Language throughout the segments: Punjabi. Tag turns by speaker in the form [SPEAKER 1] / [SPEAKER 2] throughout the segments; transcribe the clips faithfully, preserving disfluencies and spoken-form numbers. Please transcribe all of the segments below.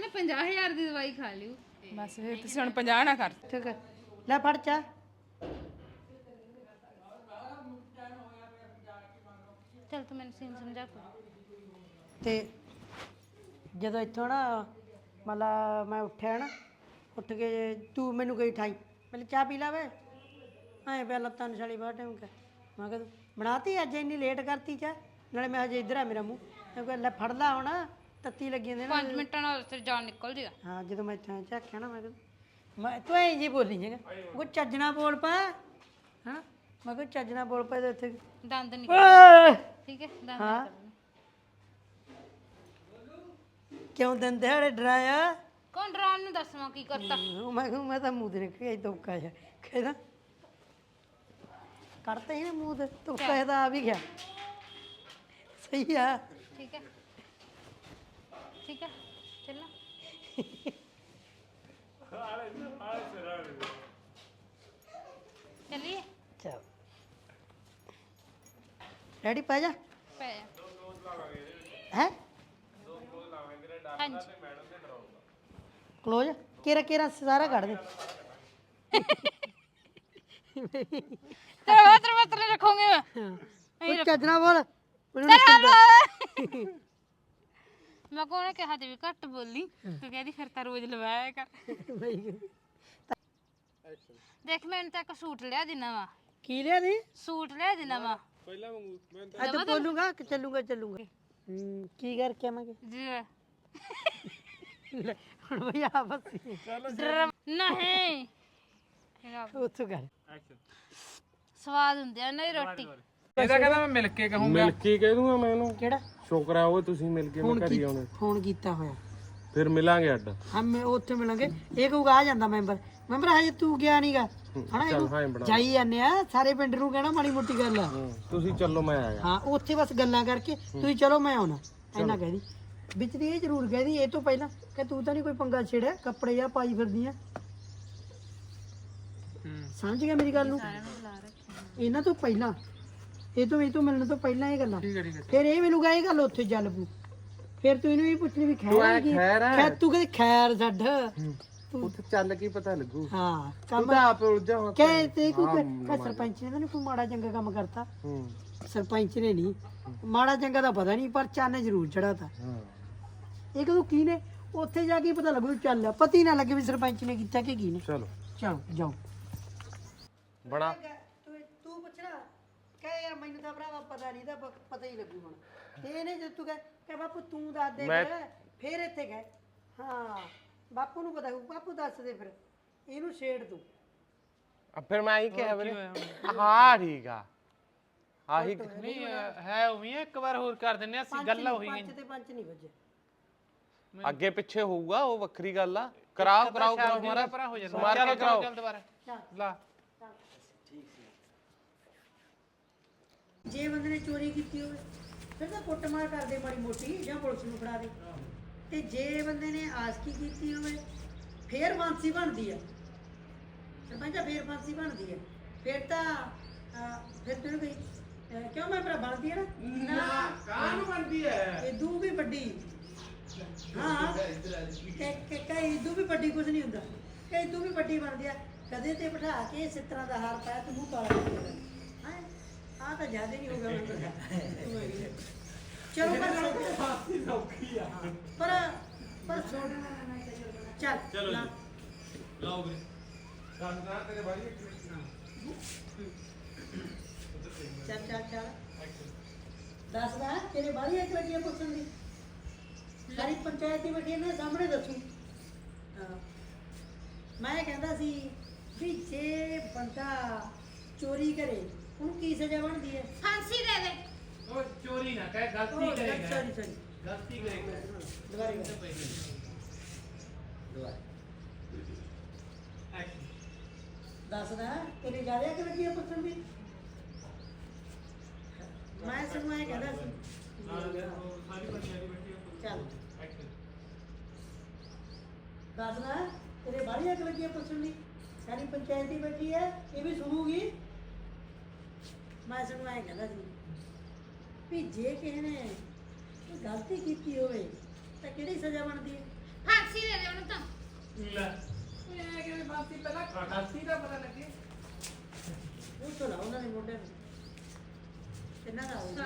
[SPEAKER 1] ਉਹਨੇ ਪੰਜਾਹ ਹਜ਼ਾਰ ਦੀ ਦਵਾਈ ਖਾ ਲਿਓ
[SPEAKER 2] ਬਸ ਫਿਰ ਤੁਸੀਂ ਹੁਣ ਪੰਜਾਹ ਨਾ ਕਰ
[SPEAKER 3] ਠੀਕ ਹੈ ਲੈ ਫੜ ਚਾ
[SPEAKER 1] ਚੱਲ ਤੂੰ ਮੈਨੂੰ ਸੀਨ ਸਮਝਾ ਕੋ
[SPEAKER 3] ਤੇ ਜਦੋਂ ਇੱਥੋਂ ਨਾ ਮਤਲਬ ਮੈਂ ਉੱਠਿਆ ਨਾ ਉੱਠ ਕੇ ਤੂੰ ਮੈਨੂੰ ਗਈ ਠਾਈ ਪਹਿਲੇ ਚਾਹ ਪੀ ਲਾ ਵੇ ਐਂ ਪਿਆ ਲੱਤਾਂ ਨਿਸ਼ਾਲੀ ਬਾਹਰ ਟਾਈਮ ਕਰ ਮੈਂ ਕਿਹਾ ਬਣਾਤੀ ਅੱਜ ਇੰਨੀ ਲੇਟ ਕਰਤੀ ਚਾਹ ਨਾਲੇ ਮੈਂ ਹਜੇ ਇੱਧਰ ਆ ਮੇਰਾ ਮੂੰਹ ਮੈਂ ਕਿਹਾ ਲੈ ਫੜ ਲਾ ਹੁਣ ਤੱਤੀ ਲੱਗੀ ਜਾਂਦੇ ਨਾ
[SPEAKER 1] ਪੰਜ ਮਿੰਟਾਂ ਨਾਲ ਤੇ ਜਾਨ ਨਿਕਲ ਜੇਗਾ
[SPEAKER 3] ਹਾਂ ਜਦੋਂ ਮੈਂ ਇੱਥੇ ਝਾਕਿਆ ਨਾ ਮੈਂ ਕਿਹਾ ਮੈਂ ਤੂੰ ਐਂ ਜੀ ਬੋਲੀ ਜੇਗਾ ਉਹ ਚੱਜਣਾ ਬੋਲ ਪਾ ਹਾਂ ਮੈਂ ਕਿਹਾ ਚੱਜਣਾ ਬੋਲ ਪਾ ਤੇ ਉੱਥੇ
[SPEAKER 1] ਦੰਦ ਨਿਕਲ
[SPEAKER 3] ਓਏ!
[SPEAKER 1] ਠੀਕ ਹੈ ਦੰਦ
[SPEAKER 3] ਹਾਂ
[SPEAKER 1] ਨਿਕਲ
[SPEAKER 3] ਕਿਉਂ ਦਿਨ ਦਿਹਾੜੇ ਡਰਾਇਆ
[SPEAKER 1] ਕੌਣ ਡਰਾਉਣ ਨੂੰ ਦੱਸਵਾਂ ਕੀ ਕਰਤਾ
[SPEAKER 3] ਉਹ ਮੈਂ ਕਿਹਾ ਮੈਂ ਤਾਂ ਮੂੰਹ ਤੇ ਨਿਕਲ ਗਿਆ ਧੋਕਾ ਜਿਹਾ ਕਹਿੰਦਾ ਕੱਢਤਾ ਹੀ ਨਾ ਮੂੰਹ ਤੇ ਧੋਕਾ ਇਹਦਾ ਆ ਵੀ ਗਿਆ ਸਹੀ ਆ
[SPEAKER 1] ਠੀਕ ਹੈ ਠੀਕ ਹੈ ਚੱਲਣਾ ਚੱਲੀਏ
[SPEAKER 3] ਚਲ ਰੈਡੀ ਪਾ ਜਾ
[SPEAKER 1] ਪੈ ਜਾ
[SPEAKER 3] ਹੈ
[SPEAKER 1] ਹਾਂਜੀ
[SPEAKER 3] ਕਲੋਜ਼ ਕੇਰਾ ਕੇਰਾ ਸਾਰਾ ਕੱਢ ਦੇ
[SPEAKER 1] ਤੇਰਾ ਵਾਤਰ ਵਾਤਰ ਰੱਖੋਗੇ ਮੈਂ
[SPEAKER 3] ਉਹ ਚੱਜਣਾ ਬੋਲ ਮੈਨੂੰ
[SPEAKER 1] ਮੈਂ ਕੋਨੇ ਕਿਹਾ ਤੇ ਵੀ ਘੱਟ ਬੋਲੀ ਤੂੰ ਕਹਿੰਦੀ ਫਿਰ ਤਾਂ ਰੋਜ਼ ਲਵਾਇਆ ਕਰ ਦੇਖ ਮੈਂ ਤਾਂ ਇੱਕ ਸੂਟ ਲਿਆ ਦਿਨਾ ਵਾ
[SPEAKER 3] ਕੀ ਲਿਆ ਦੀ
[SPEAKER 1] ਸੂਟ ਲਿਆ ਦਿਨਾ ਵਾ
[SPEAKER 4] ਪਹਿਲਾਂ ਵਾਂਗੂ ਮੈਂ
[SPEAKER 3] ਅੱਜ ਬੋਲੂਗਾ ਕਿ ਚੱਲੂਗਾ ਚੱਲੂਗਾ ਹੂੰ ਕੀ ਕਰਕੇ ਆਵਾਂਗੇ
[SPEAKER 1] ਜੀ
[SPEAKER 3] ਲੈ, ਹੁਣ ਭਈ ਆਪਸ
[SPEAKER 1] ਨਹੀਂ
[SPEAKER 3] ਉੱਥੋਂ ਕਰ
[SPEAKER 1] ਸਵਾਦ ਹੁੰਦੀ ਆ ਨਾ ਰੋਟੀ
[SPEAKER 2] ਇਹਦਾ ਕਹਿੰਦਾ ਮੈਂ ਮਿਲ ਕੇ ਕਹੂੰਗਾ
[SPEAKER 4] ਮਿਲ ਕੇ ਕਹਿ ਦੂੰਗਾ ਮੈਂ ਇਹਨੂੰ
[SPEAKER 3] ਕਿਹੜਾ
[SPEAKER 4] ਸ਼ੁਕਰ ਆ ਉਹ ਤੁਸੀਂ ਮਿਲ ਕੇ ਮੈਂ
[SPEAKER 3] ਫੋਨ
[SPEAKER 4] ਘਰੀ ਆਉਣੇ
[SPEAKER 3] ਫੋਨ ਕੀਤਾ ਹੋਇਆ
[SPEAKER 4] ਫਿਰ ਮਿਲਾਂਗੇ ਅੱਡ
[SPEAKER 3] ਹਮ ਉੱਥੇ ਮਿਲਾਂਗੇ ਇਹ ਕਹੂਗਾ ਆ ਜਾਂਦਾ ਮੈਂਬਰ ਮੈਂਬਰ ਹਜੇ ਤੂੰ ਗਿਆ ਨਹੀਂਗਾ ਹਨਾ
[SPEAKER 4] ਚੱਲ ਹਾਂ ਬਣਾ
[SPEAKER 3] ਜਾਈ ਜਾਂਦੇ ਆ ਸਾਰੇ ਪਿੰਡ ਨੂੰ ਕਹਿਣਾ ਮਾੜੀ ਮੋਟੀ ਗੱਲ ਆ
[SPEAKER 4] ਹੂੰ, ਤੁਸੀਂ ਚੱਲੋ ਮੈਂ ਆਇਆ
[SPEAKER 3] ਹਾਂ ਉੱਥੇ ਬਸ ਗੱਲਾਂ ਕਰਕੇ ਤੁਸੀਂ ਚਲੋ ਮੈਂ ਆਉਣਾ ਇੰਨਾ ਕਹਿਦੀ ਵਿੱਚ ਦੀ ਇਹ ਜ਼ਰੂਰ ਕਹਿਦੀ ਇਹ ਤੋਂ ਪਹਿਲਾਂ ਕਿ ਤੂੰ ਤਾਂ ਨਹੀਂ ਕੋਈ ਪੰਗਾ ਛੇੜਿਆ ਕੱਪੜੇ ਜਾਂ ਪਾਈ ਫਿਰਦੀ ਆ ਸਮਝ ਗਿਆ ਮੇਰੀ ਗੱਲ ਨੂੰ ਇਹਨਾਂ ਤੋਂ ਪਹਿਲਾਂ ਇਹ ਤੋਂ ਇਹ ਤੋਂ ਮਿਲਣ ਤੋਂ ਪਹਿਲਾਂ ਇਹ ਗੱਲਾਂ ਫਿਰ ਇਹ ਮਿਲੂਗਾ ਇਹ ਗੱਲ ਉੱਥੇ ਚੱਲ ਪੂ ਫਿਰ ਤੂੰ ਇਹਨੂੰ ਇਹ ਪੁੱਛਣੀ ਵੀ ਖੈਰ ਕੀ
[SPEAKER 4] ਖੈਰ ਹੈ
[SPEAKER 3] ਖੈਰ ਤੂੰ ਕਹਿੰਦੀ ਖੈਰ ਛੱਡ
[SPEAKER 4] ਉੱਥੇ ਚੱਲ ਕੀ ਪਤਾ ਲੱਗੂ
[SPEAKER 3] ਹਾਂ
[SPEAKER 4] ਤੂੰ
[SPEAKER 3] ਕੰਮ
[SPEAKER 4] ਤਾਂ ਆਪ ਉਲਝਾ ਹੁਣ
[SPEAKER 3] ਕਹਿ ਤੇ ਕੋਈ ਕਹ ਸਰਪੰਚ ਨੇ ਤਾਂ ਨਹੀਂ ਕੋਈ ਮਾੜਾ ਚੰਗਾ ਕੰਮ ਕਰਤਾ
[SPEAKER 4] ਹੂੰ
[SPEAKER 3] ਸਰਪੰਚ ਨੇ ਨਹੀਂ ਮਾੜਾ ਚੰਗਾ ਤਾਂ ਪਤਾ ਨਹੀਂ ਪਰ ਚਾਨੇ ਜ਼ਰੂਰ ਚੜਾਤਾ
[SPEAKER 4] ਹਾਂ
[SPEAKER 3] ਇਹ ਕਦੋਂ ਕੀ ਨੇ ਉੱਥੇ ਜਾ ਕੇ ਪਤਾ ਲੱਗੂ ਚੱਲ ਪਤੀ ਨਾ ਲੱਗੇ ਵੀ ਸਰਪੰਚ ਨੇ ਕੀਤਾ ਕਿ ਕੀ ਨੇ
[SPEAKER 4] ਚਲੋ
[SPEAKER 3] ਚਲੋ ਜਾਓ
[SPEAKER 4] ਬਣਾ
[SPEAKER 3] ਤੂੰ ਤੂੰ ਪੁੱਛਣਾ ਕਹੇ ਯਾਰ ਮੈਨੂੰ ਤਾਂ ਭਰਾਵਾ ਪਤਾ ਨਹੀਂ ਤਾਂ ਪਤਾ ਹੀ ਲੱਗੂ ਹੁਣ ਤੇ ਇਹਨੇ ਜਦ ਤੂੰ ਕਹੇ ਕਿ ਬਾਪੂ ਤੂੰ ਦੱਸ ਦੇ ਫਿਰ ਫਿਰ ਇੱਥੇ ਗਏ ਹਾਂ ਬਾਪੂ ਨੂੰ ਪਤਾ ਹੋਊ ਬਾਪੂ ਦੱਸ ਦੇ ਫਿਰ ਇਹਨੂੰ ਛੇੜ ਤੂੰ
[SPEAKER 4] ਆ ਫਿਰ ਮੈਂ ਹੀ ਕਿਹਾ ਵੀਰੇ ਹਾਂ ਠੀਕ ਆ ਆਹੀ
[SPEAKER 2] ਨਹੀਂ ਹੈ ਉਵੇਂ ਇੱਕ ਵਾਰ ਹੋਰ ਕਰ ਦਿੰਨੇ ਅਸੀਂ ਗੱਲ ਹੋਈ
[SPEAKER 3] ਪੰਜ ਤੇ ਪੰਜ ਨਹੀਂ ਵੱਜੇ
[SPEAKER 4] ਅੱਗੇ ਪਿੱਛੇ ਹੋਊਗਾ ਉਹ ਵੱਖਰੀ ਗੱਲ ਆ ਕਰਾਓ ਕਰਾਓ ਕਰਾਓ
[SPEAKER 2] ਮਾਰਾ ਪਰਾ ਹੋ ਜਾਂਦਾ
[SPEAKER 4] ਮਾਰ ਕੇ ਕਰਾਓ
[SPEAKER 2] ਚੱਲ ਦੁਬਾਰਾ ਲਾ
[SPEAKER 3] ਜੇ ਬੰਦੇ ਨੇ ਚੋਰੀ ਕੀਤੀ ਹੋਵੇ ਫਿਰ ਤਾਂ ਕੁੱਟਮਾਰ ਕਰਦੇ ਮਾੜੀ ਮੋਟੀ ਜਾਂ ਪੁਲਿਸ ਨੂੰ ਫੜਾ ਦੇ ਤੇ ਜੇ ਬੰਦੇ ਨੇ ਆਸਕੀ ਕੀਤੀ ਹੋਵੇ ਫੇਰ ਫਾਂਸੀ ਬਣਦੀ ਆ ਸਰਪੰਚਾ ਫੇਰ ਫਾਂਸੀ ਬਣਦੀ ਆ ਫਿਰ ਤਾਂ ਅਹ, ਫਿਰ ਤੈਨੂੰ ਕੋਈ ਅਹ, ਕਿਉਂ ਮੈਂ ਭਰਾ ਬਣਦੀ ਆ ਨਾ ਨਾ ਕਾਹਨੂੰ ਬਣਦੀ ਹੈ ਇਹ ਦੂ ਵੀ ਵੱਡੀ ਹਾਂ ਕਿ ਕਿ ਕਈ ਦੂ ਵੀ ਵੱਡੀ ਕੁਝ ਨਹੀਂ ਹੁੰਦਾ ਕਈ ਦੂ ਵੀ ਵੱਡੀ ਬਣਦੀ ਆ ਕਦੇ ਤੇ ਬਿਠਾ ਕੇ ਇਸ ਤਰ੍ਹਾਂ ਦਾ ਹਾਰ ਪਾਇਆ ਤੇ ਮੂੰਹ ਕਾਲਾ ਕਰ ਦਿੰਦਾ ਹੈ ਆ ਤਾਂ ਜ਼ਿਆਦਾ ਨਹੀਂ ਹੋਗਾ ਮੈਨੂੰ ਚਲੋ ਪਰ ਫਾਂਸੀ ਸੌਖੀ ਆ ਪਰ ਪਰ ਛੋੜ ਚੱਲ ਚਲੋ ਲਾਓ ਵੀਰੇ ਸੰਦਾਂ ਤੇਰੇ ਬਾਰੀ ਚੱਲ ਚੱਲ ਚੱਲ ਦੱਸਦਾ ਤੇਰੇ ਬਾਰੀ ਇੱਕ ਲੱਗੀ ਪੁੱਛਣ ਦੀ ਸਾਰੀ ਪੰਚਾਇਤ ਦੀ ਬੈਠੀ ਨੇ ਸਾਹਮਣੇ ਦੱਸੂ ਹਾਂ ਮੈਂ ਕਹਿੰਦਾ ਸੀ ਵੀ ਜੇ ਬੰਦਾ ਚੋਰੀ ਕਰੇ ਉਹਨੂੰ ਕੀ ਸਜ਼ਾ ਬਣਦੀ ਹੈ
[SPEAKER 1] ਫਾਂਸੀ ਦੇ ਦੇ
[SPEAKER 2] ਉਹ ਚੋਰੀ ਨਾ ਕਹੇ ਗਲਤੀ ਕਰੇਗਾ
[SPEAKER 3] ਸੌਰੀ ਸੌਰੀ
[SPEAKER 2] ਗਲਤੀ ਕਰੇਗਾ
[SPEAKER 3] ਦੁਬਾਰੇ ਕਰ। ਦੱਸਦਾ ਤੇਰੀ ਜ਼ਿਆਦਾ ਕਿ ਲੱਗੀ ਹੈ ਪੁੱਛਣ ਦੀ ਮੈਂ ਸਗੋਂ ਇਹ ਕਹਿੰਦਾ ਸੀ ਚੱਲ ਦੱਸਦਾ ਤੇਰੇ ਬਾਹਰੀ ਅੱਗ ਲੱਗੀ ਹੈ ਪੁੱਛਣ ਦੀ ਸਾਰੀ ਪੰਚਾਇਤ ਹੀ ਬੈਠੀ ਹੈ ਇਹ ਵੀ ਸੁਣੂਗੀ ਮੈਂ ਸਗੋਂ ਇਹ ਕਹਿੰਦਾ ਸੀ ਵੀ ਜੇ ਕਿਸੇ ਨੇ ਕੋਈ ਗਲਤੀ ਕੀਤੀ ਹੋਵੇ ਤਾਂ ਕਿਹੜੀ ਸਜ਼ਾ ਬਣਦੀ ਹੈ
[SPEAKER 1] ਫਾਂਸੀ
[SPEAKER 2] ਲੈ ਇਹ ਕਿਵੇਂ ਬਾਤੀ ਪਹਿਲਾਂ ਗਲਤੀ ਦਾ ਪਤਾ ਲੱਗੇ
[SPEAKER 3] ਉਹ ਤੋਂ ਲਾਉ ਉਹਨਾਂ ਦੇ ਮੋਢੇ ਨੂੰ ਕਿੰਨਾ ਦਾ ਹੋਊਗਾ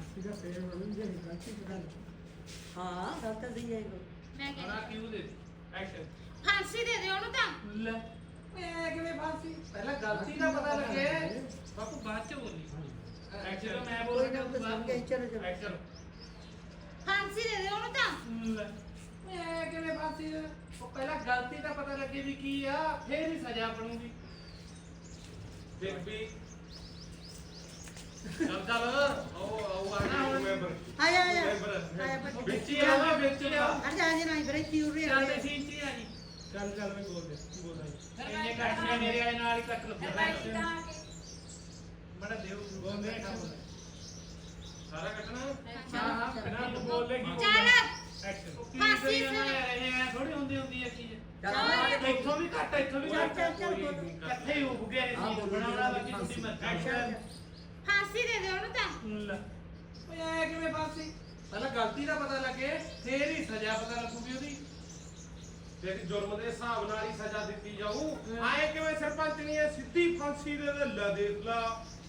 [SPEAKER 3] ਹਾਂ ਗੱਲ ਤਾਂ ਸਹੀ ਹੈ ਇਹ
[SPEAKER 1] ਮੈਂ ਕਹਿੰਦੀ
[SPEAKER 2] ਬੜਾ ਕਿਉਂ ਦੇ ਐਕਸ਼ਨ
[SPEAKER 1] ਫਾਂਸੀ ਦੇ ਦੇ ਉਹਨੂੰ ਤਾਂ
[SPEAKER 2] ਲੈ ਇਹ ਕਿਵੇਂ ਬਾਤੀ ਪਹਿਲਾਂ ਗਲਤੀ ਦਾ ਪਤਾ ਲੱਗੇ ਬਾਪੂ ਬਾਅਦ ਚ ਬੋਲੀ ਐਕਸ਼ਨ ਮੈਂ
[SPEAKER 3] ਕੋਈ ਨਾ
[SPEAKER 2] ਬੋਲਦਾ
[SPEAKER 3] ਤਾਂ ਸਮਝ ਗਈ ਚਲੋ ਚਲੋ
[SPEAKER 2] ਐਕਸ਼ਨ
[SPEAKER 1] ਫਾਂਸੀ ਦੇ ਦੇ ਉਹਨੂੰ ਤਾਂ
[SPEAKER 2] ਲੈ ਇਹ ਕਿਵੇਂ ਬਾਤੀ ਉਹ ਪਹਿਲਾਂ ਗਲਤੀ ਦਾ ਪਤਾ ਲੱਗੇ ਵੀ ਕੀ ਆ ਫੇਰ ਹੀ ਸਜ਼ਾ ਬਣੂਗੀ ਦੇਖ ਵੀ ਚੱਲ ਚੱਲ ਉਹ ਉਹ ਆਣਾ ਹੁਣ
[SPEAKER 3] ਆਇਆ ਆਇਆ ਆਇਆ ਬੱਚੇ
[SPEAKER 2] ਵਿੱਚ ਹੀ ਆਵਾ ਵਿੱਚ ਹੀ ਆ
[SPEAKER 3] ਹਟ ਜਾ ਜੀ ਨਹੀਂ ਬਰੇ ਕੀ ਉਰੇ
[SPEAKER 2] ਚੱਲ ਤੇ ਸੀਨ ਚ ਆ ਜੀ ਚੱਲ ਚੱਲ ਮੈਂ ਬੋਲ ਦੇ ਕੀ ਬੋਲਦਾ ਇੰਨੇ ਕੱਟ ਕੇ ਮੇਰੇ ਵਾਲੇ ਨਾਲ ਹੀ ਕੱਟ ਲੱਗਾ ਮੜਾ ਦੇਵ ਬੋਲ ਦੇ ਸਾਰਾ ਕੱਟਣਾ ਹਾਂ ਹਾਂ ਬਿਨਾਂ ਤੂੰ ਬੋਲ ਲੈ ਕੀ
[SPEAKER 1] ਚੱਲ
[SPEAKER 2] ਐਕਸ਼ਨ ਫਾਂਸੀ ਇਹ ਥੋੜੀ ਹੁੰਦੀ ਹੁੰਦੀ ਹੈ ਚੀਜ਼ ਇੱਥੋਂ ਵੀ ਘੱਟ ਇੱਥੋਂ ਵੀ ਘੱਟ
[SPEAKER 3] ਚੱਲ, ਚੱਲ, ਬੋਲ।
[SPEAKER 2] ਇਕੱਠੇ ਹੀ ਉੱਗ ਗਏ ਸੀ ਬਣਾਉਣਾ ਬਾਕੀ ਤੁਸੀਂ ਮਤ ਐਕਸ਼ਨ
[SPEAKER 1] ਫਾਂਸੀ ਦੇ ਦੇ ਉਹਨੂੰ ਤਾਂ
[SPEAKER 2] ਲੈ ਓਏ ਐ ਕਿਵੇਂ ਫਾਂਸੀ ਪਹਿਲਾਂ ਗਲਤੀ ਦਾ ਪਤਾ ਲੱਗੇ ਫੇਰ ਹੀ ਸਜ਼ਾ ਪਤਾ ਲੱਗੂਗੀ ਉਹਦੀ
[SPEAKER 4] ਦੇਖ ਜੁਰਮ ਦੇ ਹਿਸਾਬ ਨਾਲ ਹੀ ਸਜ਼ਾ ਦਿੱਤੀ ਜਾਊ ਆਏ ਕਿਵੇਂ ਸਰਪੰਚ ਨਹੀਂ ਹੈ ਸਿੱਧੀ ਫਾਂਸੀ ਦੇ ਦੇ ਲੈ ਦੇਖ ਲਾ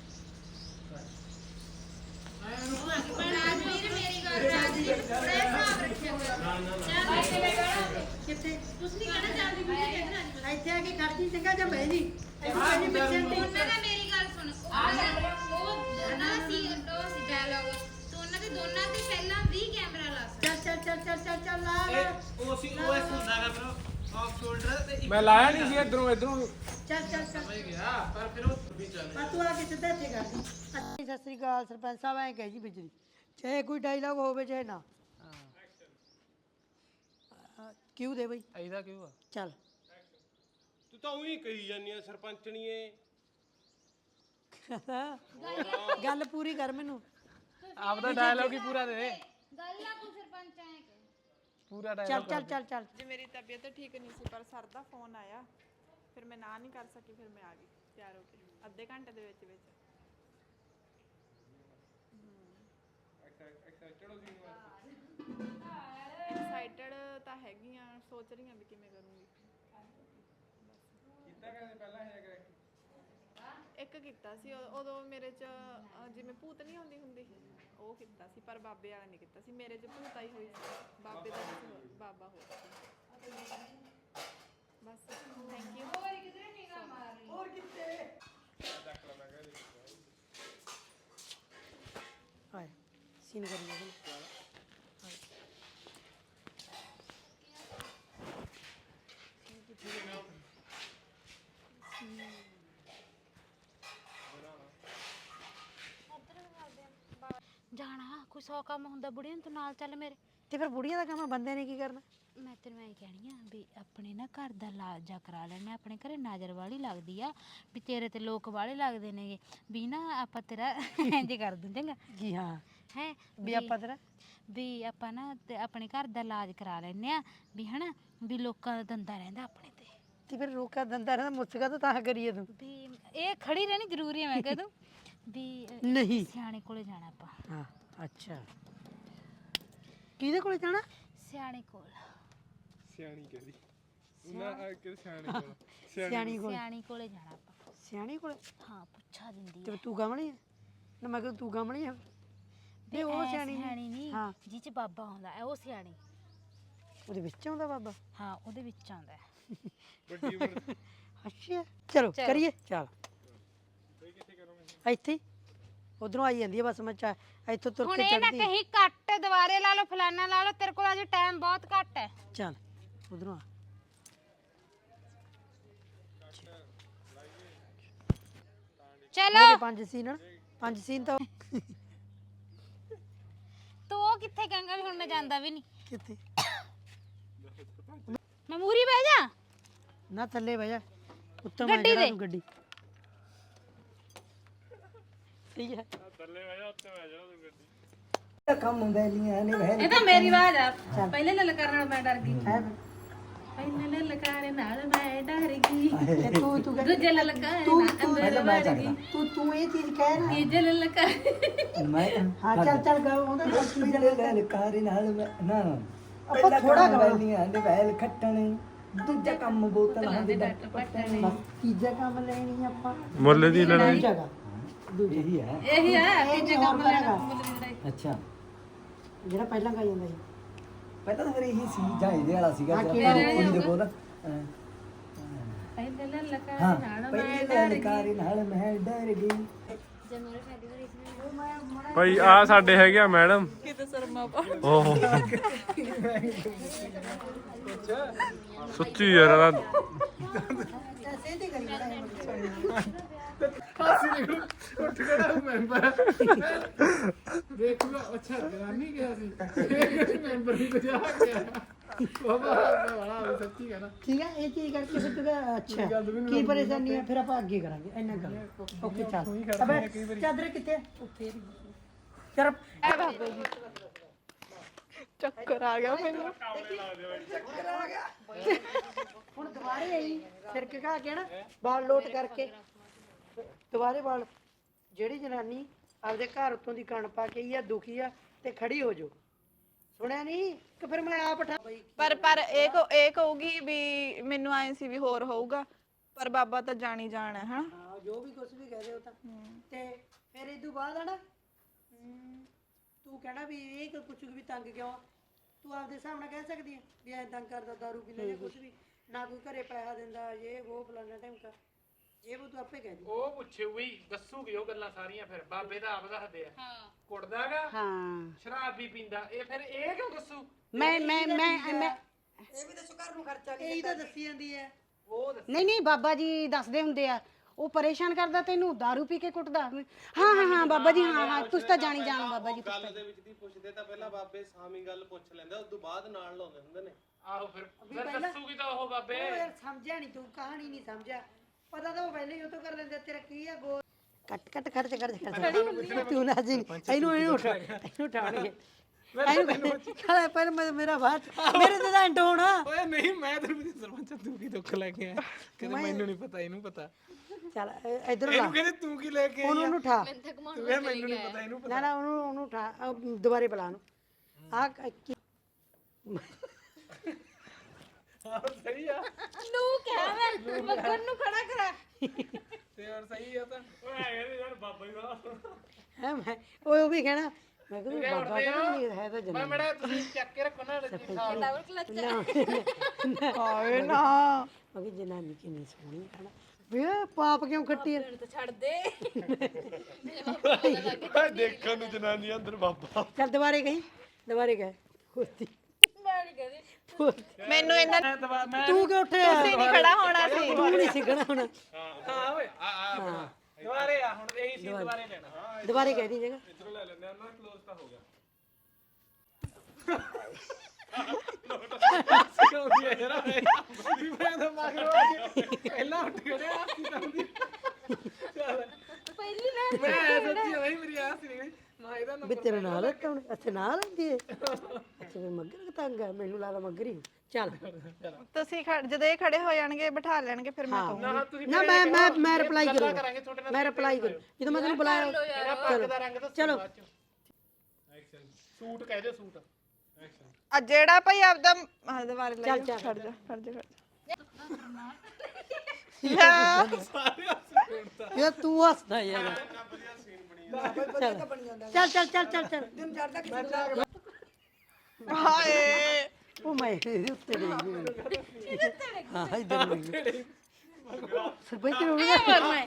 [SPEAKER 2] ਆਏ ਉਹਨੂੰ
[SPEAKER 1] ਰਾਜਵੀਰ ਮੇਰੀ ਗੱਲ ਰਾਜਵੀਰ ਬੜਾ ਹਿਸਾਬ ਰੱਖਿਆ ਹੋਇਆ ਚੱਲ
[SPEAKER 3] ਕਿੱਥੇ
[SPEAKER 1] ਤੁਸੀਂ ਨਹੀਂ ਕਹਿਣਾ ਚਾਹਦੀ ਵੀ ਕਹਿੰਦਾ
[SPEAKER 3] ਇੱਥੇ ਆ ਕੇ ਖੜਦੀ ਚੰਗਾ ਜਾਂ ਬਹਿ ਜੀ ਇੱਥੇ ਜੀ ਪਿੱਛੇ ਤੇ
[SPEAKER 1] ਉਹਨਾਂ ਦਾ ਮੇਰੀ ਗੱਲ ਸੁਣ ਉਹ ਨਾ ਸੀ ਉਹ ਸੀ ਡਾਇਲੌਗ ਤੂੰ ਉਹਨਾਂ ਦੇ ਦੋਨਾਂ ਤੇ ਪਹਿਲਾਂ ਵੀ ਕੈਮਰਾ ਲਾ ਸਕਦਾ
[SPEAKER 3] ਚੱਲ ਚੱਲ ਚੱਲ ਚੱਲ ਚੱਲ ਚੱਲ ਲਾ
[SPEAKER 2] ਇਹ ਉਹ ਸੀ ਉਹ ਐਸ ਹੁੰਦਾਗਾ ਬ్రో ਆਫ ਸ਼ੋਲਡਰ ਤੇ ਇੱਕ
[SPEAKER 4] ਮੈਂ ਲਾਇਆ ਨਹੀਂ ਸੀ ਇਧਰੋਂ ਇਧਰੋਂ
[SPEAKER 3] ਚੱਲ ਚੱਲ ਚੱਲ
[SPEAKER 2] ਸਮਝ ਗਿਆ ਪਰ ਫਿਰ ਉਹ ਵੀ ਚੱਲ
[SPEAKER 3] ਆ ਤੂੰ ਆ ਕੇ ਸਿੱਧਾ ਇੱਥੇ ਕਰ ਦੀ ਅੱਛੀ ਸਤਿ ਸ੍ਰੀ ਅਕਾਲ ਸਰਪੰਚ ਸਾਹਿਬ ਐਂ ਕਹੇ ਜੀ ਬਿਜਲੀ ਚਾਹੇ ਕੋਈ ਡਾਇਲੌਗ ਹੋਵੇ ਚਾਹੇ ਨਾ ਕਿਉਂ ਦੇ ਬਈ
[SPEAKER 2] ਐਦਾ ਕਿਉਂ ਆ
[SPEAKER 3] ਚੱਲ
[SPEAKER 4] ਤੂੰ ਤਾਂ ਉਹੀ ਕਹੀ ਜਾਂਦੀ ਆ ਸਰਪੰਚਣੀਏ
[SPEAKER 3] ਗੱਲ ਪੂਰੀ ਕਰ ਮੈਨੂੰ
[SPEAKER 2] ਆਪਦਾ ਡਾਇਲੌਗ ਹੀ ਪੂਰਾ ਦੇ
[SPEAKER 1] ਗੱਲ ਆ ਤੂੰ ਸਰਪੰਚ ਆਏ ਕਿ
[SPEAKER 2] ਪੂਰਾ
[SPEAKER 3] ਚੱਲ
[SPEAKER 2] ਡਾਇਲੌਗ
[SPEAKER 3] ਚੱਲ ਚੱਲ ਚੱਲ
[SPEAKER 5] ਜੇ ਮੇਰੀ ਤਬੀਅਤ ਠੀਕ ਨਹੀਂ ਸੀ ਪਰ ਸਰ ਦਾ ਫੋਨ ਆਇਆ ਫਿਰ ਮੈਂ ਨਾ ਨਹੀਂ ਕਰ ਸਕੀ ਫਿਰ ਮੈਂ ਆ ਗਈ ਤਿਆਰ ਹੋ ਕੇ ਅੱਧੇ ਘੰਟੇ ਦੇ ਵਿੱਚ ਵਿੱਚ ਐਕਸਾਈਟਡ ਤਾਂ ਹੈਗੀ ਆ ਸੋਚ ਰਹੀ ਆ ਵੀ ਕਿਵੇਂ ਕਰੂੰਗੀ
[SPEAKER 2] ਕੀਤਾ ਕਹਿੰਦੇ ਪਹਿਲਾਂ ਹੈ ਕਰੈਕਟ
[SPEAKER 5] ਇੱਕ ਕੀਤਾ ਸੀ ਉ- ਉਦੋਂ ਮੇਰੇ ਚ ਅ, ਜਿਵੇਂ ਭੂਤ ਨਹੀਂ ਹੁੰਦੀ ਹੁੰਦੀ ਉਹ ਕੀਤਾ ਸੀ ਪਰ ਬਾਬੇ ਵਾਲਾ ਨਹੀਂ ਕੀਤਾ ਸੀ ਮੇਰੇ ਚ ਭੂਤ ਆਈ ਹੋਈ ਸੀ ਬਾਬੇ ਦਾ ਕਿਸੇ ਹੋਰ- ਬਾਬਾ ਹੋਰ ਸੀ ਬਸ ਥੈਂਕ ਯੂ
[SPEAKER 3] ਆਏ ਸੀਨ ਕਰੀ ਜਾ
[SPEAKER 1] ਜਾਣਾ ਕੋਈ ਸੌ ਕੰਮ ਹੁੰਦਾ ਬੁੜੀਆਂ ਨੂੰ ਤੂੰ ਨਾਲ ਚੱਲ ਮੇਰੇ
[SPEAKER 3] ਤੇ ਫਿਰ ਬੁੜੀਆਂ ਦਾ ਕੰਮ ਆ, ਬੰਦੇ ਨੇ ਕੀ ਕਰਨਾ
[SPEAKER 1] ਮੈਂ ਤੈਨੂੰ ਐਂ ਕਹਿਣੀ ਆ ਵੀ ਆਪਣੇ ਨਾ ਘਰ ਦਾ ਲਾਜਾ ਕਰਾ ਲੈਣੇ ਆਪਣੇ ਘਰੇ ਨਜ਼ਰ ਵਾਲੀ ਲੱਗਦੀ ਆ ਵੀ ਤੇਰੇ ਤੇ ਲੋਕ ਵਾਲੇ ਲੱਗਦੇ ਨੇਗੇ ਵੀ ਨਾ ਆਪਾਂ ਤੇਰਾ ਇੰਜ ਕਰ ਦੂੰ ਚੰਗਾ
[SPEAKER 3] ਜੀ ਹਾਂ
[SPEAKER 1] ਹੈ
[SPEAKER 3] ਵੀ ਆਪਾਂ ਤੇਰਾ
[SPEAKER 1] ਵੀ ਆਪਾਂ ਨਾ ਤੇ ਆਪਣੇ ਘਰ ਦਾ ਇਲਾਜ ਕਰਾ ਲੈਣੇ ਆ ਵੀ ਹਨਾ ਵੀ ਲੋਕਾਂ ਦਾ ਦੰਦਾ ਰਹਿੰਦਾ ਆਪਣੇ ਤੇ
[SPEAKER 3] ਤੇ ਫਿਰ ਰੋਕਾ ਦੰਦਾ ਰਹਿੰਦਾ ਮੁੱਸਕਾ ਤਾਂ ਤਾਂ ਕਰੀਏ ਤੂੰ
[SPEAKER 1] ਵੀ ਇਹ ਖੜੀ ਰਹਿਣੀ ਜ਼ਰੂਰੀ ਹੈ ਮੈਂ ਕਹਿ ਦੂੰ ਵੀ ਅ,
[SPEAKER 3] ਨਹੀਂ
[SPEAKER 1] ਸਿਆਣੇ ਕੋਲੇ ਜਾਣਾ ਆਪਾਂ
[SPEAKER 3] ਹਾਂ ਅੱਛਾ ਕਿਹਦੇ ਕੋਲੇ ਜਾਣਾ
[SPEAKER 1] ਸਿਆਣੇ ਕੋਲ
[SPEAKER 4] ਸਿਆਣੀ ਕਹਿੰਦੀ ਉਹਨਾਂ ਆ ਕੇ ਸਿਆਣੇ ਕੋਲ
[SPEAKER 3] ਸਿਆਣੀ ਕੋਲ
[SPEAKER 1] ਸਿਆਣੀ ਕੋਲੇ ਜਾਣਾ ਆਪਾਂ
[SPEAKER 3] ਸਿਆਣੀ ਕੋਲੇ
[SPEAKER 1] ਹਾਂ ਪੁੱਛਾ ਦਿੰਦੀ
[SPEAKER 3] ਤੇ
[SPEAKER 1] ਆ
[SPEAKER 3] ਤੂੰ ਗਾਮਣੀ ਹੈ ਨਾ ਮੈਂ ਕਿਹਾ ਤੂੰ ਗਾਮਣੀ ਹੈ
[SPEAKER 1] ਵੀ
[SPEAKER 3] ਉਹ
[SPEAKER 1] ਐ
[SPEAKER 3] ਸਿਆਣੀ ਨੀ।
[SPEAKER 1] ਸਿਆਣੀ ਨਹੀਂ
[SPEAKER 3] ਹਾਂ।
[SPEAKER 1] ਜਿਹ ਚ ਬਾਬਾ ਹੁੰਦਾ ਹੈ ਉਹ ਸਿਆਣੀ
[SPEAKER 3] ਉਹਦੇ ਵਿੱਚ ਆਉਂਦਾ ਬਾਬਾ
[SPEAKER 1] ਹਾਂ ਉਹਦੇ ਵਿੱਚ ਆਉਂਦਾ ਹੈ
[SPEAKER 4] ਵੱਡੀ ਉਮਰ
[SPEAKER 3] ਅੱਛਾ ਚਲੋ
[SPEAKER 1] ਚਲੋ।
[SPEAKER 3] ਕਰੀਏ ਚੱਲ ਇੱਥੇ ਉਧਰੋਂ ਆਈ ਜਾਂਦੀ ਹੈ ਬਸ ਮੈਂ ਚਾ ਇੱਥੋਂ ਤੁਰ
[SPEAKER 1] ਹੁਣ
[SPEAKER 3] ਕੇ
[SPEAKER 1] ਇਹ ਨਾ
[SPEAKER 3] ਚੜਦੀ
[SPEAKER 1] ਕਹੀਂ ਕੱਟ ਦੁਬਾਰੇ ਲਾ ਲਓ ਫਲਾਨਾ ਲਾ ਲਓ ਤੇਰੇ ਕੋਲ ਅਜੇ ਟਾਈਮ ਬਹੁਤ ਘੱਟ ਹੈ
[SPEAKER 3] ਚੱਲ ਉਧਰੋਂ ਆ
[SPEAKER 1] ਚਲੋ
[SPEAKER 3] ਉਹਦੇ ਪੰਜ ਸੀਨ ਹਨ। ਪੰਜ ਸੀਨ ਤਾਂ
[SPEAKER 1] ਤੂੰ ਉਹ ਕਿੱਥੇ ਕਹਿੰਗਾ ਵੀ ਹੁਣ ਮੈਂ ਜਾਂਦਾ ਵੀ ਨਹੀਂ
[SPEAKER 3] ਕਿੱਥੇ
[SPEAKER 1] ਮੈਂ ਮੂਰੀ ਬਹਿ ਜਾ
[SPEAKER 3] ਨਾ ਥੱਲੇ ਬਹਿ ਜਾ ਉੱਤੋਂ ਮੈਂ
[SPEAKER 1] ਗੱਡੀ
[SPEAKER 3] ਜਿਹੜਾ
[SPEAKER 1] ਦੇ।
[SPEAKER 3] ਤੂੰ ਗੱਡੀ ਸਹੀ ਹੈ ਕੰਮ ਬੈਲੀਆਂ ਨੇ ਬਹਿ
[SPEAKER 6] ਇਹ ਤਾਂ ਮੇਰੀ ਆਵਾਜ਼ ਆ ਪਹਿਲੇ ਲਲਕਾਰ ਨਾਲ ਮੈਂ ਡਰ ਗਈ
[SPEAKER 3] ਹੈ
[SPEAKER 6] ਪਹਿਲੇ ਲਲਕਾਰ ਨਾਲ ਮੈਂ ਡਰ ਗਈ
[SPEAKER 3] ਤੇ ਤੂੰ ਤੂੰ ਕਹਿ-
[SPEAKER 6] ਦੂਜੇ ਲਲਕਾਰ
[SPEAKER 3] ਤੂੰ
[SPEAKER 6] ਨਾਲ
[SPEAKER 3] ਤੂੰ
[SPEAKER 6] ਅੰਦਰ ਵੜ ਗਈ
[SPEAKER 3] ਤੂੰ ਤੂੰ ਇਹ ਚੀਜ਼ ਕਹਿ ਨਾ
[SPEAKER 6] ਤੀਜੇ ਲਲਕਾਰ
[SPEAKER 3] ਮੈਂ ਹਾਂ ਚੱਲ ਚੱਲ ਗਾ ਉਹਦਾ
[SPEAKER 7] ਪਿਛਲੇ ਲਲਕਾਰ ਨਾਲ ਮੈਂ- ਨਾ ਨਾ
[SPEAKER 3] ਆਪਾਂ ਥੋੜਾ ਗਾ
[SPEAKER 7] ਵੈਲੀਆਂ ਦੇ ਵੈਲ ਖੱਟਣ
[SPEAKER 3] ਦੂਜਾ ਕੰਮ ਬੋਤਲ ਹੁੰਦੀ ਬਸ ਤੀਜਾ ਕੰਮ ਲੈਣੀ ਆਪਾਂ
[SPEAKER 2] ਮੁੱਲ ਦੀ ਲੜਾਈ
[SPEAKER 3] ਜਗ੍ਹਾ ਦੂਜੀ
[SPEAKER 6] ਇਹੀ ਆ ਤੀਜੇ ਕੰਮ ਲੈਣਾ ਮੁੱਲ ਦੀ ਲੜਾਈ।
[SPEAKER 7] ਅੱਛਾ
[SPEAKER 3] ਜਿਹੜਾ ਪਹਿਲਾਂ ਗਾ ਜਾਂਦਾ ਸੀ
[SPEAKER 7] ਪਹਿਲਾਂ ਤਾਂ ਫਿਰ ਇਹੀ ਸੀ ਜਾਂ ਇਹਦੇ ਵਾਲਾ ਸੀਗਾ
[SPEAKER 3] ਹਾਂ,
[SPEAKER 7] ਜਿਹੜਾ
[SPEAKER 3] ਕਿਹੜਾ
[SPEAKER 7] ਕੁੜੀ ਦੇ ਕੋਲ
[SPEAKER 6] ਪਹਿਲੇ ਲਲਕਾਰੇ
[SPEAKER 7] ਹਾਂ
[SPEAKER 6] ਨਾਲ ਮੈਂ
[SPEAKER 7] ਪਹਿਲੇ
[SPEAKER 6] ਡਰ ਗਈ
[SPEAKER 7] ਲਲਕਾਰੇ ਨਾਲ ਮੈਂ ਡਰ ਗਈ
[SPEAKER 2] ਭਾਈ ਆ ਸਾਡੇ ਹੈਗੇ ਆ ਮੈਡਮ
[SPEAKER 5] ਕਿਤੇ ਸਰਮਾ ਪਾ
[SPEAKER 2] ਓਹ ਸੱਚੀ ਯਾਰ ਇਹਦਾ
[SPEAKER 3] ਸੇਧੀ ਕਰੀ
[SPEAKER 2] ਹਾਸੀ ਨਿਕਲ ਉੱਠ ਖੜਾ ਮੈਂਬਰ ਦੇਖੂਗਾ ਅੱਛਾ ਜਨਾਨੀ ਗਿਆ ਸੀ ਮੈਂਬਰ ਵੀ ਬਜਾ ਗਿਆ ਬਾਬਾ ਬੜਾ ਸੱਚੀ ਕਹਿਣਾ
[SPEAKER 3] ਠੀਕ ਹੈ ਇਹ ਚੀਜ਼ ਕਰਕੇ ਫਿਰ ਤੂੰ ਕਹਿ, ਅੱਛਾ ਕੀ ਪਰੇਸ਼ਾਨੀ ਹੈ ਫਿਰ ਆਪਾਂ ਅੱਗੇ ਕਰਾਂਗੇ ਇੰਨਾ ਕਰ ਓਕੇ ਚੱਲ ਅਬੇ ਚਾਦਰ ਕਿੱਥੇ ਉੱਥੇ ਚਲ
[SPEAKER 5] ਚੱਕਰ ਆ ਗਿਆ ਮੈਨੂੰ
[SPEAKER 3] ਹੁਣ ਦੁਬਾਰੇ ਆਈ ਫਿਰ ਕੀ ਕਹਾ ਕੇ ਨਾ ਬਾਲ ਲੋਟ ਕਰਕੇ ਦੁਬਾਰੇ ਬਾਲ ਜਿਹੜੀ ਜਨਾਨੀ ਆਪਦੇ ਘਰ ਉੱਤੋਂ ਦੀ ਕਣ ਪਾ ਕੇ ਆਈ ਆ ਦੁਖੀ ਆ ਤੇ ਖੜੀ ਹੋ ਜਾਓ ਸੁਣਿਆ ਨਹੀਂ ਕਿ ਫਿਰ ਮੈਂ ਆਪ ਉਠਾ
[SPEAKER 5] ਪਰ ਪਰ ਇਹ ਕਹੂ- ਇਹ ਕਹੂਗੀ ਵੀ ਮੈਨੂੰ ਆਏ ਸੀ ਵੀ ਹੋਰ ਹੋਊਗਾ ਪਰ ਬਾਬਾ ਤਾਂ ਜਾਣੀ ਜਾਣਾ ਹੈ ਹਨਾ
[SPEAKER 3] ਹਾਂ ਜੋ ਵੀ ਕੁਝ ਵੀ ਕਹਦੇ ਹੋ ਤਾਂ ਤੇ ਫਿਰ ਇਹ ਤੋਂ ਬਾਅਦ ਆ ਨਾ ਹਮ, ਤੂੰ ਕਹਿਣਾ ਵੀ ਇਹ ਕਿ ਪੁੱਛੂ ਵੀ ਤੰਗ ਕਿਉਂ ਆ? ਤੂੰ ਆਪਦੇ ਹਿਸਾਬ ਨਾਲ ਕਹਿ ਸਕਦੀ ਹੈ ਵੀ ਐ ਤੰਗ ਕਰਦਾ ਦਾਰੂ ਪੀਂਦਾ ਜਾਂ ਕੁਝ ਵੀ ਨਾ ਕੋਈ ਘਰੇ ਪੈਸਾ ਦਿੰਦਾ ਇਹ ਉਹ ਫਲਾਣਾ ਟਾਈਮ ਇਹ ਉਹ ਤੂੰ ਆਪੇ ਕਹਿ ਦੀ
[SPEAKER 2] ਉਹ ਪੁੱਛੂਗੀ ਦੱਸੂਗੀ ਉਹ ਗੱਲਾਂ ਸਾਰੀਆਂ ਫਿਰ ਬਾਬੇ ਦਾ ਆਪ ਦੱਸਦੇ ਆ ਹਾਂ ਕੁੱਟਦਾਗਾ
[SPEAKER 3] ਹਾਂ
[SPEAKER 2] ਸ਼ਰਾਬ ਵੀ ਪੀਂਦਾ ਇਹ ਫਿਰ ਇਹ ਕਿਉਂ ਦੱਸੂ
[SPEAKER 8] ਮੈਂ ਮੈਂ ਮੈਂ ਮੈਂ
[SPEAKER 3] ਇਹ ਵੀ ਦੱਸੋ ਘਰ ਨੂੰ ਖਰਚਾ ਨਹੀਂ ਇਹ ਤਾਂ ਦੱਸੀ ਜਾਂਦੀ ਹੈ
[SPEAKER 2] ਉਹ ਦੱਸ
[SPEAKER 8] ਨਹੀਂ ਨਹੀਂ ਬਾਬਾ ਜੀ ਦੱਸਦੇ ਹੁੰਦੇ ਆ ਉਹ ਪਰੇਸ਼ਾਨ ਕਰਦਾ ਤੈਨੂੰ दारू ਪੀ ਕੇ ਕੁੱਟਦਾ ਹਾਂ ਹਾਂ ਹਾਂ ਬਾਬਾ ਜੀ ਹਾਂ ਹਾਂ ਤੁਸੀਂ ਤਾਂ ਜਾਣੀ ਜਾਣ ਬਾਬਾ ਜੀ
[SPEAKER 4] ਗੱਲ ਦੇ ਵਿੱਚ ਦੀ ਪੁੱਛਦੇ ਤਾਂ ਪਹਿਲਾਂ ਬਾਬੇ ਸਾਮੀ ਗੱਲ ਪੁੱਛ ਲੈਂਦੇ ਉਸ ਤੋਂ ਬਾਅਦ ਨਾਲ ਲਾਉਂਦੇ ਹੁੰਦੇ ਨੇ
[SPEAKER 2] ਆਹੋ ਫਿਰ ਫਿਰ ਦੱਸੂਗੀ ਤਾਂ ਉਹ ਬਾਬੇ
[SPEAKER 3] ਉਹ ਯਾਰ ਸਮਝਿਆ ਨਹੀਂ ਤੂੰ ਕਹਾਣੀ ਨਹੀਂ ਸਮਝਿਆ ਪਤਾ ਤਾਂ ਉਹ ਪਹਿਲੇ ਹੀ ਉਹ ਤੋਂ ਕਰ ਲੈਂਦੇ ਤੇਰਾ ਕੀ ਆ ਗੋਲ ਕੱਟ ਕੱਟ ਖਰਚ ਕਰ ਕਰ ਤੂੰ ਨਾ ਜੀ ਇਹਨੂੰ ਇਹਨੂੰ ਉਠਾ ਇਹਨੂੰ ਉਠਾਣਗੇ ਇਹਨੂੰ ਖੜਾ ਪਰ ਮੇਰਾ ਬਾਤ ਮੇਰੇ ਤੇ ਤਾਂ ਐਂਡ ਹੋਣਾ
[SPEAKER 2] ਓਏ ਨਹੀਂ ਮੈਂ ਤੈਨੂੰ ਪੁੱਛ ਸਰਪੰਚ ਤੂੰ ਕੀ ਦੁੱਖ ਲੈ ਕੇ ਆਇਆ ਕਹਿੰਦੇ ਮੈਨੂੰ ਨਹੀਂ ਪਤਾ ਇਹਨੂੰ ਪਤਾ
[SPEAKER 3] ਚੱਲ ਇਧਰ ਲਾ
[SPEAKER 2] ਇਹਨੂੰ ਕਹਿੰਦੇ ਤੂੰ ਕੀ ਲੈ ਕੇ ਆਈ
[SPEAKER 3] ਉਹਨੂੰ ਉਹਨੂੰ ਉਠਾ
[SPEAKER 2] ਤੂੰ ਕਹਿੰਦਾ ਮੈਨੂੰ ਨਹੀਂ ਪਤਾ ਇਹਨੂੰ
[SPEAKER 3] ਨਾ ਨਾ ਉਹਨੂੰ ਉਹਨੂੰ ਉਠਾ ਅਹ ਦੁਬਾਰੇ ਬੁਲਾ ਨੂੰ ਆ
[SPEAKER 2] ਸਹੀ ਆ
[SPEAKER 6] ਨੂੰ ਕਹਿ ਮੈਂ ਮੱਗਰ ਨੂੰ ਖੜਾ ਕਰਾ
[SPEAKER 2] ਤੇ ਹੋਰ ਸਹੀ ਆ ਤਾਂ ਓਏ ਕਹਿੰਦੇ ਯਾਰ ਬਾਬਾ ਹੀ ਦਾ
[SPEAKER 3] ਹੈ ਮੈਂ ਉਹ ਉਹ ਵੀ ਕਹਿਣਾ ਮੈਂ ਕਿਹਾ ਬਾਬਾ ਤਾਂ ਨਹੀਂ ਹੈ ਤਾਂ
[SPEAKER 2] ਮੈਂ
[SPEAKER 3] ਜਨਾਨੀ
[SPEAKER 2] ਮੜਾ ਤੁਸੀਂ ਚੱਕ ਕੇ ਰੱਖੋ ਨਾ
[SPEAKER 6] ਡਬਲ ਕਲਚ
[SPEAKER 5] ਆਏ ਨਾ
[SPEAKER 3] ਮੈਂ ਕਿਹਾ ਜਨਾਨੀ ਕਿੰਨੀ ਸੋਹਣੀ ਹੈ ਨਾ ਵੇ ਪਾਪ ਕਿਉਂ ਖੱਟੀ ਹੈ
[SPEAKER 6] ਤੇ ਛੱਡ ਦੇ
[SPEAKER 2] ਓਏ ਦੇਖਣ ਨੂੰ ਜਨਾਨੀ ਅੰਦਰ ਬਾਬਾ
[SPEAKER 3] ਚੱਲ ਦੁਬਾਰੇ ਕਹੀਂ ਦੁਬਾਰੇ ਕਹੇ ਕੁਰਤੀ
[SPEAKER 6] ਮੈਂ ਨਹੀਂ ਕਹਦੀ
[SPEAKER 5] ਮੈਨੂੰ ਇਹਨਾਂ
[SPEAKER 3] ਤੂੰ ਕਿਉਂ ਉੱਠਿਆ
[SPEAKER 5] ਤੁਸੀਂ ਨਹੀਂ ਖੜਾ ਹੋਣਾ ਸੀ
[SPEAKER 3] ਤੂੰ ਨਹੀਂ ਸਿੱਖਣਾ ਹੁਣ
[SPEAKER 2] ਹਾਂ ਓਏ ਆ ਆ ਦੁਬਾਰੇ ਆ ਹੁਣ ਇਹੀ ਸੀ ਦੁਬਾਰੇ ਲੈਣਾ
[SPEAKER 3] ਦੁਬਾਰੇ ਕਹਿ ਦੀ ਜਗਾ
[SPEAKER 2] ਇਧਰੋਂ ਲੈ ਲੈਂਦੇ ਆ ਨਾ ਕਲੋਜ਼ ਤਾਂ ਹੋ ਗਿਆ ਮੈਂ ਤਾਂ ਮਗਰੋਂ ਆ ਕੇ ਪਹਿਲਾਂ ਉੱਠ ਖੜਿਆ ਸੀ ਤਾਂ ਉਹਦੀ
[SPEAKER 6] ਪਹਿਲੀ ਨਾ
[SPEAKER 2] ਮੈਂ ਸੱਚੀ ਹੋਈ ਮੇਰੀ ਆਸ ਨਹੀਂ ਗਈ ਮੈਂ ਇਹਦਾ
[SPEAKER 3] ਵੀ ਤੇਰੇ ਨਾਲ ਕੌਣ ਅੱਛਾ ਨਾਲ ਆਂਦੀ ਹੈ ਅੱਛਾ ਫਿਰ ਮੱਗਰ ਤੰਗ ਹੈ ਮੈਨੂੰ ਲੱਗਦਾ ਮੱਗਰ ਹੀ ਚੱਲ
[SPEAKER 5] ਤੁਸੀਂ ਖੜ- ਜਦੋਂ ਇਹ ਖੜੇ ਹੋ ਜਾਣਗੇ ਬਿਠਾ ਲੈਣਗੇ ਫਿਰ ਮੈਂ ਕਹੂੰਗੀ
[SPEAKER 2] ਨਾ ਤੁਸੀਂ
[SPEAKER 3] ਨਾ ਮੈਂ ਮੈਂ ਮੈਂ ਰਿਪਲਾਈ
[SPEAKER 2] ਕਰਾਂਗੇ
[SPEAKER 3] ਕਰੂੰਗਾ
[SPEAKER 2] ਤੁਹਾਡੇ ਨਾਲ
[SPEAKER 3] ਮੈਂ ਰਿਪਲਾਈ ਕਰੂੰ ਜਦੋਂ ਮੈਂ ਤੈਨੂੰ ਬੁਲਾਇਆ
[SPEAKER 2] ਮੇਰਾ ਪੱਗ ਦਾ ਰੰਗ ਦੱਸੋ
[SPEAKER 3] ਚਲੋ
[SPEAKER 2] ਐਕਸ਼ਨ ਸੂਟ ਕਹਿ ਦਿਓ ਸੂਟ ਐਕਸ਼ਨ
[SPEAKER 5] ਆ ਜਿਹੜਾ ਭਾਈ ਆਪਦਾ ਆਹ ਦੁਬਾਰੇ ਲੈ
[SPEAKER 3] ਚੱਲ,
[SPEAKER 5] ਜਾ
[SPEAKER 3] ਚੱਲ।
[SPEAKER 5] ਖੜ ਜਾ ਖੜ ਜਾ ਖੜ ਜਾ
[SPEAKER 3] ਯਾਰ ਤੂੰ ਹੱਸਦਾ ਯਾਰ ਚੱਲ ਚੱਲ ਚੱਲ ਚੱਲ ਚੱਲ
[SPEAKER 5] ਹਾਏ
[SPEAKER 3] ਉਹ ਮੈਂ ਇਹਦੇ ਉੱਤੇ ਡਿੱਗ ਗਈ ਹਾਂ ਇਧਰ ਡਿੱਗ ਗਈ ਸਰਪੰਚ ਨੂੰ ਨਾ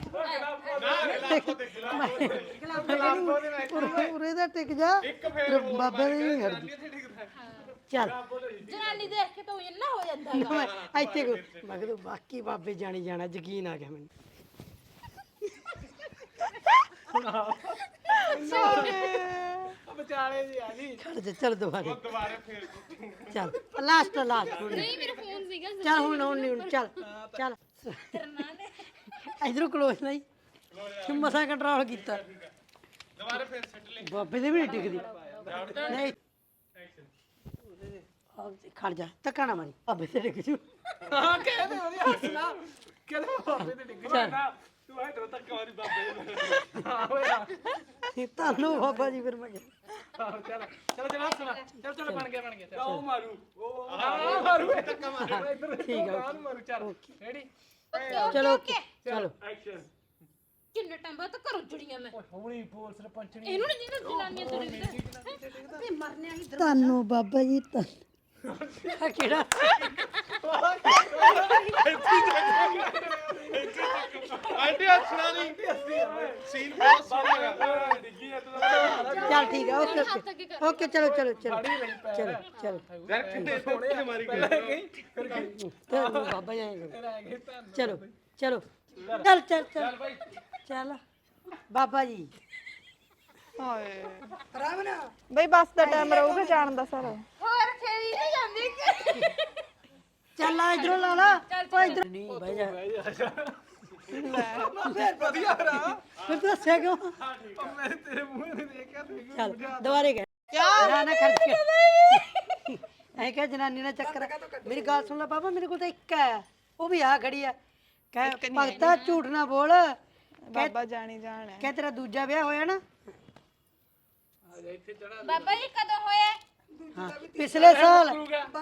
[SPEAKER 3] ਉਰੇ ਦਾ ਟਿਕ ਜਾ ਬਾਬੇ ਦੇ ਨਹੀਂ ਹਰਦੀ ਚੱਲ
[SPEAKER 6] ਜਨਾਨੀ ਦੇਖ ਕੇ ਤੂੰ ਇੰਨਾ ਹੋ ਜਾਂਦਾ ਹੈਗਾ
[SPEAKER 3] ਮੈਂ ਇੱਥੇ ਕੋ ਮੈਂ ਕਿਹਾ ਬਾਕੀ ਬਾਬੇ ਜਾਣੀ ਜਾਣਾ ਯਕੀਨ ਆ ਗਿਆ ਮੈਨੂੰ
[SPEAKER 2] ਵਿਚਾਲੇ ਜੀ ਆ ਜੀ
[SPEAKER 3] ਖੜ ਜਾ ਚੱਲ ਦੁਬਾਰੇ
[SPEAKER 4] ਦੁਬਾਰੇ ਫੇਰ
[SPEAKER 3] ਚੱਲ ਲਾਸਟ ਲਾਸਟ
[SPEAKER 6] ਨਹੀਂ ਮੇਰਾ ਫੋਨ ਸੀਗਾ
[SPEAKER 3] ਚੱਲ ਹੁਣ ਹੁਣ ਨਹੀਂ ਹੁਣ ਚੱਲ ਚੱਲ ਇਧਰੋਂ ਕਲੋਜ਼ ਨਹੀਂ ਮਸਾ ਕੰਟਰੋਲ ਕੀਤਾ
[SPEAKER 4] ਦੁਬਾਰੇ ਫੇਰ ਸੱਟ ਲੈ
[SPEAKER 3] ਬਾਬੇ ਦੇ ਵੀ ਨਹੀਂ ਟਿਕਦੀ ਨਹੀਂ ਆਹ ਖੜ ਜਾ ਧੱਕਾ ਨਾ ਮਾਰੀ ਬਾਬੇ ਤੇ ਡਿੱਗ ਜੂ
[SPEAKER 2] ਹਾਂ ਕਹਿੰਦੇ ਉਹਦੀ ਹੱਸਣਾ ਕਹਿੰਦੇ ਬਾਬੇ ਤੇ ਡਿੱਗ
[SPEAKER 3] ਚੱਲ
[SPEAKER 2] ਤੂੰ ਐ ਤੱਕ ਵਾਰੀ ਬਾਬੇ ਹਾਂ ਹੋਇਆ
[SPEAKER 3] ਤੁਹਾਨੂੰ ਬਾਬਾ ਜੀ ਫਿਰ ਮੈਂ ਕਿਹਾ।
[SPEAKER 2] ਚਲ ਚਲ ਚਲ ਹੱਸਣਾ ਚਲ ਚਲ ਬਣ ਗਿਆ ਬਣ ਗਿਆ ਉਹ ਮਾਰੂ ਉਹ ਆ ਮਾਰੂ ਇਹ ਧੱਕਾ ਮਾਰੂ ਠੀਕ ਆ ਮਾਰੂ ਚੱਲ ਰੈਡੀ
[SPEAKER 3] ਚਲੋ ਚਲੋ
[SPEAKER 2] ਐਕਸ਼ਨ
[SPEAKER 6] ਕਿੰਨੇ ਟਾਈਮ ਬਾਅਦ ਤਾਂ ਘਰੋਂ ਜੁੜੀਆਂ ਮੈਂ
[SPEAKER 2] ਹੌਲੀ ਬੋਲ ਸਰਪੰਚਣੀ
[SPEAKER 6] ਇਹਨੂੰ ਨਹੀਂ ਜਿਹਨਾਂ ਜਨਾਨੀਆਂ ਤੁਰੀ
[SPEAKER 3] ਤੁਹਾਨੂੰ ਬਾਬਾ ਜੀ ਤਾਂ ਕਿਹੜਾ
[SPEAKER 4] ਆਂਟੀ ਹੱਸਣਾ ਨਹੀਂ ਸੀਨ ਬਹੁਤ ਸੋਹਣਾ
[SPEAKER 2] ਡਿੱਗੀ ਐ ਤੂੰ
[SPEAKER 3] ਚੱਲ ਠੀਕ ਹੈ ਓਕੇ ਓਕੇ ਓਕੇ ਚਲੋ ਚਲੋ ਚਲੋ ਚਲੋ ਚਲੋ
[SPEAKER 4] ਯਾਰ ਕਿੰਨੇ ਸੋਹਣੇ ਮਾਰੀ ਗਈ
[SPEAKER 3] ਚਲੋ ਬਾਬਾ ਜੀ ਆਏਂ ਕਰੋ। ਚਲੋ ਚਲੋ ਚੱਲ ਚੱਲ ਚੱਲ ਚੱਲ ਬਾਬਾ ਜੀ
[SPEAKER 5] ਹਾਏ
[SPEAKER 3] ਰਾਮ ਨਾ
[SPEAKER 5] ਬਈ ਬੱਸ ਦਾ ਟਾਈਮ ਰਹੂਗਾ ਜਾਣ ਦਾ ਸਾਰਾ
[SPEAKER 6] ਹੋਰ ਖੇਰੀ ਨਹੀਂ ਜਾਂਦੀ
[SPEAKER 3] ਚੱਲ ਆ ਇਧਰੋਂ ਲਾ ਲਾ ਓ ਇਧਰ ਨਹੀਂ ਬਹਿ ਜਾ
[SPEAKER 2] ਵਧੀਆ ਰਾ
[SPEAKER 3] ਫਿਰ ਤੂੰ ਹੱਸਿਆ ਕਿਉਂ
[SPEAKER 2] ਮੈਂ ਤੇਰੇ ਮੂੰਹ ਨੂੰ ਦੇਖਿਆ ਤੂੰ
[SPEAKER 3] ਚੱਲ ਦੁਬਾਰੇ ਕਹਿ ਨਾ ਨਾ ਖਰਚ ਕੇ ਐ ਕਹ ਜਨਾਨੀ ਨਾਲ ਚੱਕਰ ਹੈ। ਮੇਰੀ ਗੱਲ ਸੁਣ ਲੈ ਬਾਬਾ ਮੇਰੇ ਕੋਲ ਤਾਂ ਇੱਕ ਹੈ ਉਹ ਵੀ ਆ ਖੜੀ ਆ ਕਹਿ ਭਗਤਾ ਝੂਠ ਨਾ ਬੋਲ
[SPEAKER 5] ਬਾਬਾ ਜਾਣੀ ਜਾਣ ਹੈ
[SPEAKER 3] ਕਹਿ ਤੇਰਾ ਦੂਜਾ ਵਿਆਹ ਹੋਇਆ ਨਾ
[SPEAKER 6] ਬਾਬਾ ਜੀ ਕਦੋਂ ਹੋਇਆ
[SPEAKER 3] ਹਾਂ ਪਿਛਲੇ ਸਾਲ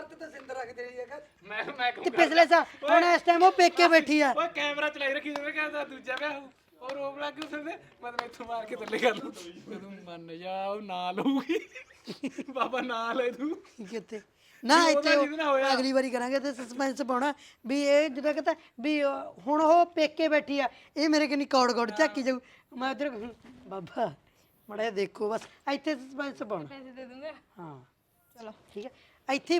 [SPEAKER 2] ਮੈਂ ਮੈਂ
[SPEAKER 3] ਤੇ ਪਿਛਲੇ ਸਾਲ ਹੁਣ ਇਸ ਟਾਈਮ ਉਹ ਪੇਕੇ ਬੈਠੀ ਆ
[SPEAKER 2] ਓਏ ਕੈਮਰਾ ਚਲਾਈ ਰੱਖੀ ਜਿਵੇਂ ਕਹਿੰਦਾ ਦੂਜਾ ਵਿਆਹ ਹੋਊ ਔਰ ਰੋਬ ਲੱਗ ਗਈ ਉਸਨੇ ਮਤਲਬ ਇੱਥੋਂ ਮਾਰ ਕੇ ਥੱਲੇ ਕਰ ਲੂ ਤੂੰ ਮੰਨ ਜਾ ਉਹ ਨਾ ਲਊਗੀ ਬਾਬਾ ਨਾ ਲੈ ਤੂੰ
[SPEAKER 3] ਕਿੱਥੇ ਨਾ
[SPEAKER 2] ਉਹਦਾ
[SPEAKER 3] ਇੱਥੇ ਉਹ
[SPEAKER 2] ਜਿਹਦੇ ਨਾਲ ਹੋਇਆ।
[SPEAKER 3] ਅਗਲੀ ਵਾਰੀ ਕਰਾਂਗੇ ਤੇ ਸਸਪੈਂਸ ਪਾਉਣਾ ਵੀ ਇਹ ਜਿਹੜਾ ਕਹਿੰਦਾ ਵੀ ਉਹ- ਹੁਣ ਉਹ ਪੇਕੇ ਬੈਠੀ ਆ ਇਹ ਮੇਰੇ ਕਿੰਨੀ ਕੌੜ ਕੌੜ ਝਾਕੀ ਜਾਊ ਮੈਂ ਉਧਰ ਬਾਬਾ ਮੜਾ ਦੇਖੋ ਬਸ ਇੱਥੇ ਸਸਪੈਂਸ ਪਾਉਣਾ
[SPEAKER 6] ਪੈਸੇ ਦੇ ਦੂੰਗਾ
[SPEAKER 3] ਹਾਂ ਚਲੋ ਠੀਕ ਹੈ ਇੱਥੇ